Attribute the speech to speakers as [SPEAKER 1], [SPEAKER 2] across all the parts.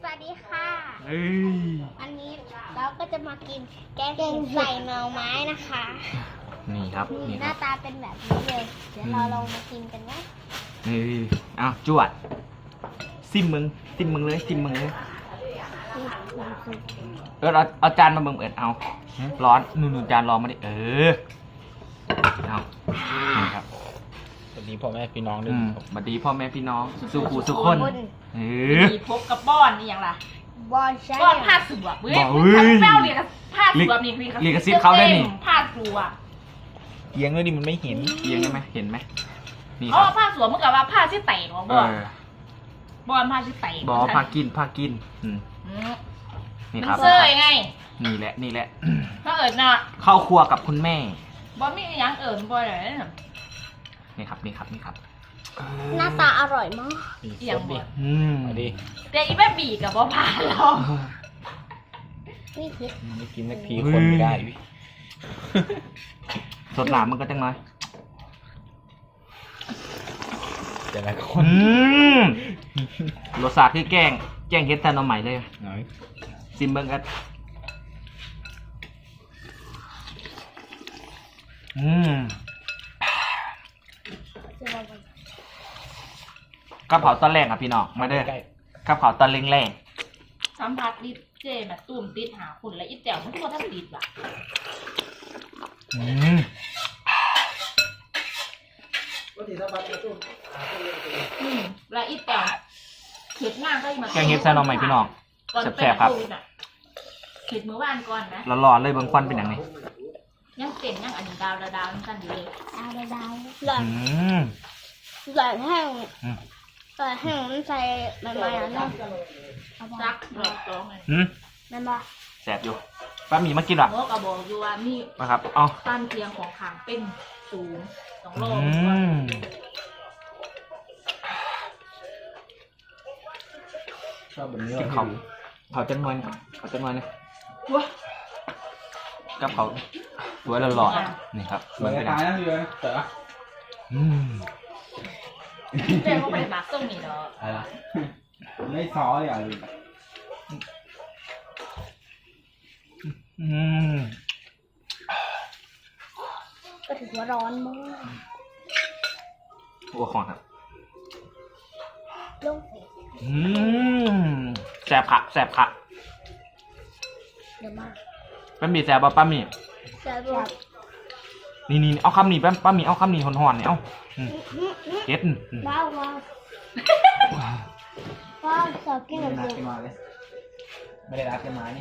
[SPEAKER 1] สวัสดีค่ะอันนี้เราก็จะมากินแกงเห็ดใส่หน่อไม้นะคะ
[SPEAKER 2] นี่ครับ
[SPEAKER 1] นี่หน้าตาเป็นแบบนี้เลย เดี๋ยวเราลองมากินกันนะ
[SPEAKER 2] เอาจวดซิมมึงเลยเอาจานมาเบิ่งเอาร้อนนู่นจานร้อนมาดิเอานี่ครับ
[SPEAKER 3] สวัสดีพ่อแม่พี่น้องด้วยครับ
[SPEAKER 2] สวัสดีพ่อแม่พี่น้องสุขูสุขคน
[SPEAKER 4] มีพบกับบ้อนนี่อย่างไร
[SPEAKER 1] บอลใช่
[SPEAKER 4] บ้อนผ้าสวบเว้ยแป้วเรียกผ้าสวบนี่
[SPEAKER 2] เรียกกระซิบเขาได้นี่
[SPEAKER 4] ผ้าสวบ
[SPEAKER 3] เอียงด้วยดิมันไม่เห็น
[SPEAKER 2] เอียงได้ไหมเห็นไหมนี่ค
[SPEAKER 4] อ๋อ
[SPEAKER 2] รับ
[SPEAKER 4] ผ้าสวบเมื่อกี้ว่าผ้าที่แตกวะบ้อนบ้อนผ้าที่แตก
[SPEAKER 2] บอกพากินนี่
[SPEAKER 4] มัน
[SPEAKER 2] ครับ
[SPEAKER 4] เซยไง
[SPEAKER 2] นี่แหละ
[SPEAKER 4] ถ้าเอิญน่ะ
[SPEAKER 2] เข้าครัวกับคุณแม่
[SPEAKER 4] บ้อนมีอย่างเอิญบ้อนอะไรเนี่ย
[SPEAKER 2] นี่ครับ
[SPEAKER 1] หน้าตาอร่อยมาก
[SPEAKER 3] นี่
[SPEAKER 4] เอียง
[SPEAKER 3] สด
[SPEAKER 4] บ่
[SPEAKER 3] ดิ มาดิ
[SPEAKER 4] แต่อีแม่บีกับบ้อผ่านเรา
[SPEAKER 1] นี่คือ
[SPEAKER 3] ไม่กินสักทีคนไม่ได้วิ
[SPEAKER 2] สดหนามันก็จังน้อย
[SPEAKER 3] แต่ละคน
[SPEAKER 2] รสชาติคือแกงเฮ็ดแทนเอาใหม่เลย
[SPEAKER 3] หน่อย
[SPEAKER 2] ซิมเบิ้งกันกระเพราตอนแรกอ่ะพี่น้องมาเด้อ
[SPEAKER 3] ใกล้
[SPEAKER 2] กระเพราตอนแรง
[SPEAKER 4] สัมผัสดิเจแบบตุ่มติดหาคุณและอีแจ๋วมันทั่วทั้งติดว่ะและอีแจ๋วเข็ดหน้าก็มา
[SPEAKER 2] แกงเฮ็ดแทนเอาใหม่พี่น้อง
[SPEAKER 4] ก่อน
[SPEAKER 2] แซ่บๆครับ
[SPEAKER 4] เข็ดมื้อวานก่อนนะ
[SPEAKER 2] ร้อนๆเลยเบิ้งควันเป็นอย่างนี้
[SPEAKER 4] ยังเต็มยังอันดาวนั่นกันอยู่เลย
[SPEAKER 1] ดาวหล่อนหล่อนแห้งหล่อนแห้งมันใส่ใบไม้แล้วเนาะ
[SPEAKER 4] ซักดอกตองเลย
[SPEAKER 1] นั่นปะ
[SPEAKER 2] แสบอยู่ป้าหมีมากินหรอ
[SPEAKER 4] โมกระบอกอยู่ว่ามี
[SPEAKER 2] นะครับเอา
[SPEAKER 4] ต้านเทียงของขางเป็นสูง2 โล
[SPEAKER 3] ชอบแบบนี้
[SPEAKER 2] กินเขาเขาจังน้อยนะเขาจังน้อยนะ
[SPEAKER 4] ว้า
[SPEAKER 2] กับเขาสวยหล่อๆนี่ครับ
[SPEAKER 3] สวย
[SPEAKER 2] เป็น
[SPEAKER 3] ตายนะพี่เลยเต๋อ
[SPEAKER 4] เจ้าก็ไปหมักส้มนี่เนาะ
[SPEAKER 3] อะไรไม่ซออย่างอื่น
[SPEAKER 1] ก็ถือว่าร้อนมาก
[SPEAKER 2] หัวของครับ
[SPEAKER 1] ลงเผ็ด
[SPEAKER 2] แสบผัก
[SPEAKER 1] เดี๋ยวมาก
[SPEAKER 2] ป้าหมีแสบป่ะป้าหมี
[SPEAKER 1] แซ่บแบบ
[SPEAKER 2] นี่เอาคำนี้ป้าหมีเอาคำนี้ห่อนๆเนี่ยเอาเฮ็ด
[SPEAKER 1] ว้าวชอบกินแบบ
[SPEAKER 3] รัก
[SPEAKER 1] นี้
[SPEAKER 3] กันมาเลยไม่ได้รักกันมานี่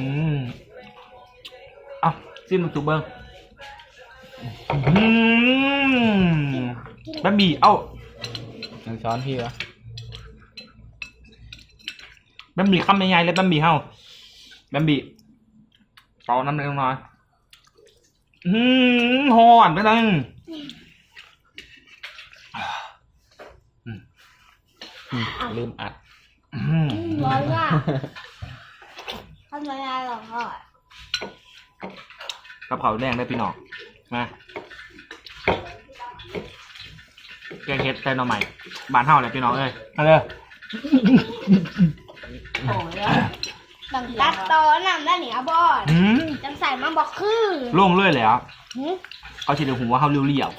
[SPEAKER 2] เอาซิมมันตูเบิ้งป้าหมีเอา
[SPEAKER 3] ยังช้อนพี่วะ
[SPEAKER 2] ป้าหมีคำใหญ่ๆเลยป้าหมีเฮาป้าหมีเป่าน้ำเล็กน้อยห่อนไปเลย
[SPEAKER 3] ลืมอัด
[SPEAKER 1] ร้อนมากทำไมอร่อยอ่ะ
[SPEAKER 2] กระเพราแดงได้พี่น้องมาแกงเฮ็ดใส่หน่อใหม่บ้านเฮาเลยพี่น้องเอ้ยมาเลย
[SPEAKER 4] โอ้ย
[SPEAKER 1] บังตัดตอนน้ำได้หนิบอลจังใส่มาบอกคือ
[SPEAKER 2] โล่งเลยเลยอ่ะเขาฉีดหัวเขาเรียว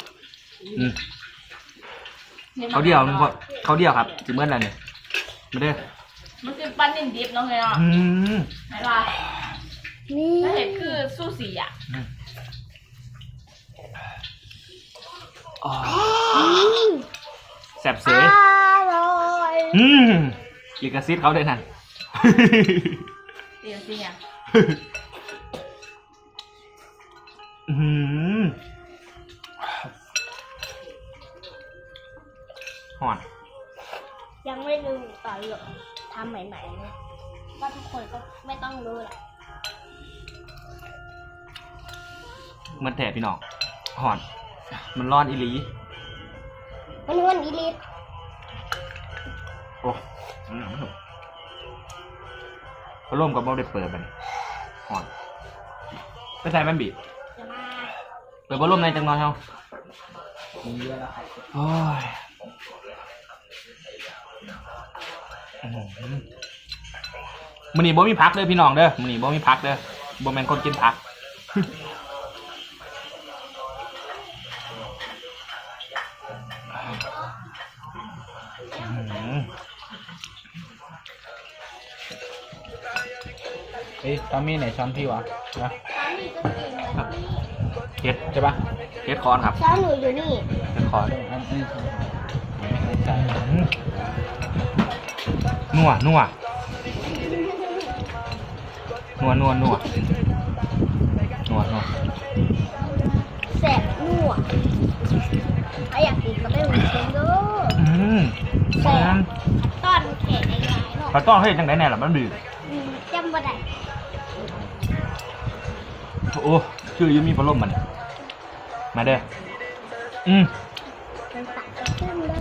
[SPEAKER 2] เขาเดียวครับจิเมื่อไรเนี่ยมาเด้อ
[SPEAKER 4] มันคือปั้นนินดิบเนาะเฮ้ยเนาะไหนล่ะ
[SPEAKER 1] นี่
[SPEAKER 4] ถ้าเห็นคือสู้สีอ่ะ
[SPEAKER 2] แสบเสย
[SPEAKER 1] อร่อย
[SPEAKER 2] ลิกาซิตเขาด้วยนั่น
[SPEAKER 4] เดี๋ยวสิเนี่ย
[SPEAKER 2] ห่อน
[SPEAKER 1] ยังไม่รู้ตอนหรอกทำใหม่ๆเลยว่าทุกคนก็ไม่ต้องรู้แหละ
[SPEAKER 2] มันแถบพี่น้องห่อน มันร้อนอีหลี
[SPEAKER 1] มันอีลิท
[SPEAKER 2] โอ้เขาล่มกับบ่ได้เปิดมันห่อนไม่ใส่แม่นบี
[SPEAKER 1] จะมา
[SPEAKER 2] เปิดบ่ล่มในจังน้อยเฮา
[SPEAKER 3] มีเยอะแล้วครับ
[SPEAKER 2] โอ้ยมื้อนี้บ่มีผักเด้อพี่น้องเด้อมื้อนี้บ่มีผักเด้อบ่แม่นคนกินผัก
[SPEAKER 3] เฮ้ยตอมมี่ไหนช้อนพี่วะนะ
[SPEAKER 1] ช้อนนี่ก็กินแบบนี้
[SPEAKER 2] เฮ็ด
[SPEAKER 3] ใช่ปะ
[SPEAKER 2] เฮ็ดคอนครับ
[SPEAKER 1] ช้อนหนูอยู่นี่
[SPEAKER 2] เฮ็ดคอน
[SPEAKER 3] อันนี้ไม่ใช่
[SPEAKER 2] นัวนัวนัวนัวนัวนัวนัว
[SPEAKER 1] แสบนัวถ้าอยากกินก็ไปหุงเองเด้อ แสบตอนแขกในร้านเนาะ
[SPEAKER 2] ปลาต้องเฮ็ดจังได๋แน่ล่ะมันดื้อ
[SPEAKER 1] จำบ่ได้
[SPEAKER 2] โอ้ชื่อยังมีพัดลมมันมาเด้อ
[SPEAKER 1] มันตักจะขึ้นเลย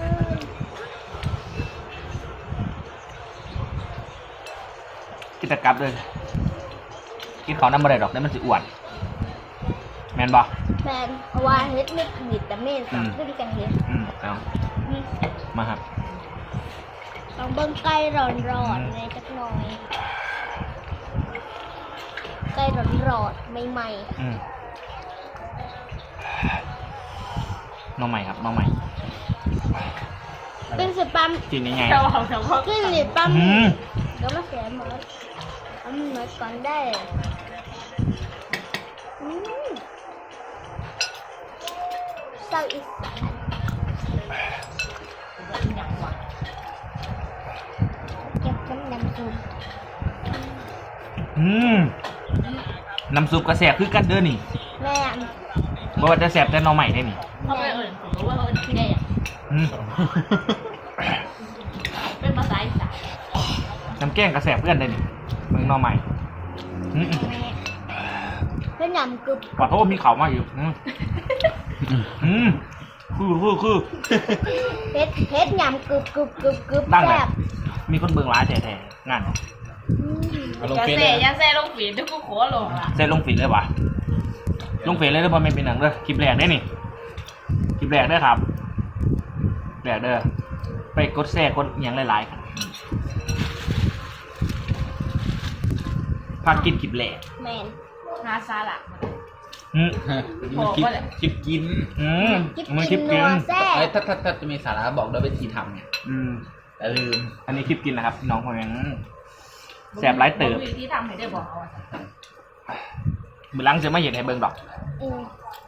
[SPEAKER 2] กินตะกับเลยกินของน้ำบ่ได้ดอกได้มันสิอ้วนแม่นบ่
[SPEAKER 1] แมนเพราะว่าเฮ็ดไม่ผิดแต่เมนสองขึ้นกันเฮ็ด
[SPEAKER 2] เอามาครับ
[SPEAKER 1] ต้องเบิ่งไก่ร้อนๆเลยจักหน่อยไก่ร้อนๆใหม่
[SPEAKER 2] น้องใหม่ครับน้องใหม่
[SPEAKER 1] ๆเป็นสิปั๊ม
[SPEAKER 2] กินยังไง
[SPEAKER 4] เจ้าของเจ้าพ่อ
[SPEAKER 1] ขึ้นสิปั๊มเดี๋ยวมาเสียหมดเอาหมดก่อนได้เศร้าอีสาน
[SPEAKER 4] อย่างหวาน
[SPEAKER 1] เก็บน้ำซุป
[SPEAKER 2] น้ำซุปกระแสบคือกันเด้อนี่
[SPEAKER 1] แม่น
[SPEAKER 2] บ่ว่าจะแสบแต่น้องใหม่ได้นี่
[SPEAKER 4] เขาไปเอ่ยผมว่าเขาเป็นพี่ได้อะ
[SPEAKER 2] อืม
[SPEAKER 4] เป็นภาษาอีสาน
[SPEAKER 2] น้ำแกงกระแสบเพื่อนได้นี่เมืองน้องใหม่
[SPEAKER 1] เป็นยำกรึบ
[SPEAKER 2] ขอโทษมีเขามาอยู่คือ
[SPEAKER 1] เฮ็ดยำกรึบ
[SPEAKER 2] ดังเล
[SPEAKER 1] แซ่
[SPEAKER 2] ย
[SPEAKER 1] บ
[SPEAKER 2] มีคนเบิ่งร้ายแท้ๆงาน
[SPEAKER 3] เอาลง
[SPEAKER 4] อย่า
[SPEAKER 3] เฟซ
[SPEAKER 4] เซ่
[SPEAKER 3] เลย
[SPEAKER 4] อย่าเซ่ลงฝีทุกกูขอลงอ่ะ
[SPEAKER 2] เซ็ตลงฝีเลยวะลงฝีเลยเด้อบ่แม่นเป็นหนังเด้อคลิปแรกได้นี่คลิปแรกเด้อครับแรกเด้อไปกดแชร์กดหยังหลายๆครับพากินคลิปแรก
[SPEAKER 1] แมน
[SPEAKER 4] งาซาละ
[SPEAKER 3] มันคลิปคลิปกิน
[SPEAKER 2] มันคลิปกิน
[SPEAKER 1] นัวแซ่
[SPEAKER 3] ไอ้
[SPEAKER 1] บ
[SPEAKER 3] ถ้าจะมีสาระบอกด้วยวิธีทำเนี่ยแต่ลืม
[SPEAKER 2] อันนี้คลิปกินนะครับพี่น้องผมยังแสบหลายเติบ
[SPEAKER 4] ที่ทำให้ได้บอกเอา
[SPEAKER 2] มือหลังจะไม่เห็นให้เบิ่งดอก
[SPEAKER 1] อืม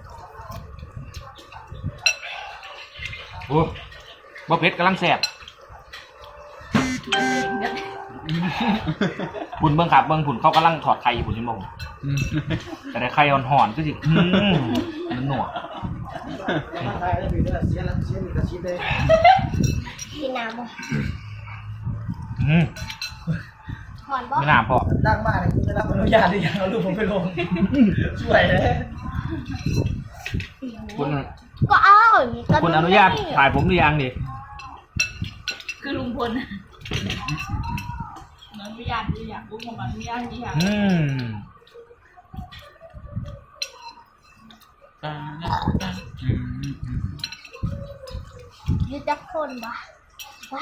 [SPEAKER 2] โอ้บ่เผ็ดกำลังแสบผุนเบิ่งครับเบิ่งผุนเขากำลังถอดไข่อยู่ผุนที่มงแต่ได้ไข่อ่อนๆก็สิมันหนวก
[SPEAKER 1] กินน้ำบ่หอนบ่
[SPEAKER 2] ไม่น่าพอ
[SPEAKER 5] ดังมากเลยคุณได้รับอนุญาตหรือยังเอารูปผมไปลง ช่วยเลย
[SPEAKER 2] คุณ
[SPEAKER 1] ก็เอา
[SPEAKER 2] คุณอนุญาตถ่ายผมหรือยังดิ
[SPEAKER 4] คือลุงพลอนุญาตหรือยังลุงผมอนุญาตหรือยัง
[SPEAKER 1] ยืดจักคนบ่วะ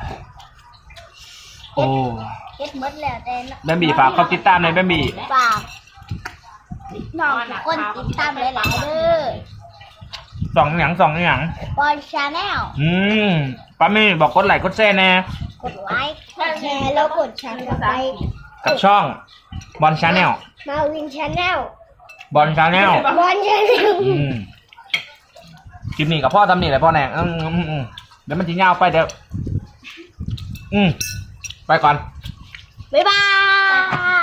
[SPEAKER 2] โอ้
[SPEAKER 1] เฮ็ดหมดแล้วแต่
[SPEAKER 2] แบมบี้ฝากเขาติดตามในอยแบมบี้
[SPEAKER 1] ฝากน้องทุกคนติดตามหลายๆเด้อ
[SPEAKER 2] สองอย่าง
[SPEAKER 1] บอลชาแนล
[SPEAKER 2] ป้ามี่บอกกดไลค์กดแชร์แน่
[SPEAKER 1] กดไลค์กดแชร์แล้วกดชันไป
[SPEAKER 2] กับช่องบอลชาแนล
[SPEAKER 1] มาวินชาแนล
[SPEAKER 2] บอลชาแนล
[SPEAKER 1] บอลชาแนล
[SPEAKER 2] คลิปนี้กับพ่อทำนี่แหละพ่อแนงเดี๋ยวมันจะยาวไปเดี๋ยวไปก่อน
[SPEAKER 1] บ๊ายบาย